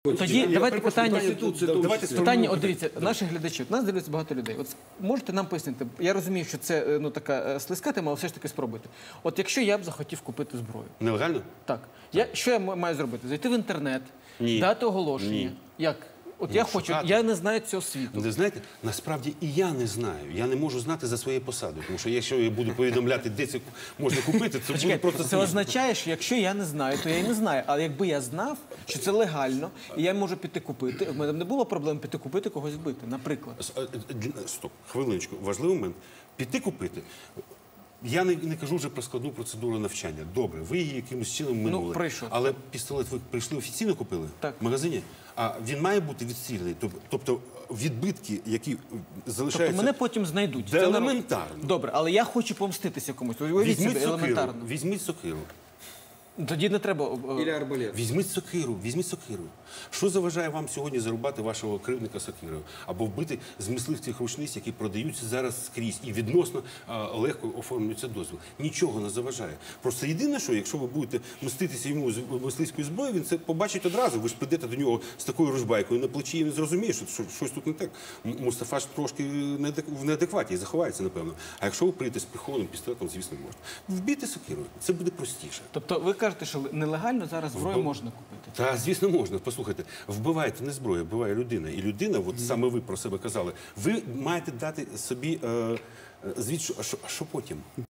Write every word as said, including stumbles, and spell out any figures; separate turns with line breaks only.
Тоді давайте питання,
Давайте
питання, от дивіться, наші глядачі, от нас дивляться багато людей. От можете нам пояснити, я розумію, що це ну така е, слизька тема, але все ж таки спробуйте. От якщо я б захотів купити зброю,
Нелегально?
так, я, що я м- маю зробити? Зайти в інтернет,
Ні.
дати оголошення?
Ні.
Як? От я хочу,
шукати.
я не знаю цього світу.
Ви знаєте, насправді і я не знаю. Я не можу знати за своєю посадою. Тому що якщо я буду повідомляти, де це можна купити, це буде
Почекайте,
просто
це
смішно.
означає, що якщо я не знаю, то я і не знаю. Але якби я знав, що це легально, і я можу піти купити, в мене б не було проблем піти купити, когось вбити, наприклад.
С- е, е, для- Стоп, хвилиночку. Важливий момент. Піти купити. Я не, не кажу вже про складну процедуру навчання. Добре, ви її якимось чином минули.
пройшов.
Але пістолет ви прийшли офіційно купили?
Так.
В магазині? А він має бути відстріляний? Тоб- Тобто відбитки, які залишаються...
Тобто мене потім знайдуть.
Це
Це норм-
елементарно.
Добре, але я хочу помститися комусь. Уявіть
Візьміть
собі,
сокиру,
елементарно.
візьміть сокиру.
Тоді не треба... е,
Или арбалет.
Візьміть сокиру, візьміть сокиру. Що заважає вам сьогодні зарубати вашого кривдника сокирою? Або вбити з мисливських рушниць, які продаються зараз скрізь і відносно а, легко оформлюється дозвіл. Нічого не заважає. Просто єдине, що якщо ви будете мститися йому з мисливською зброєю, він це побачить одразу. Ви ж прийдете до нього з такою ружбайкою на плечі, і він зрозуміє, що, що щось тут не так. М- Мустафа ж трошки неадек- в неадекваті і заховається, напевно. А якщо ви прийдете з прихованим пістолетом, звісно, можна. Вбійте сокирою. Це буде простіше.
Тобто ви кажете, що нелегально зараз зброю можна купити?
Та, звісно, можна. Послухайте, вбиваєте не зброя, вбиває людина. І людина, от саме ви про себе казали, ви маєте дати собі е, е, звіт, що, що, що потім.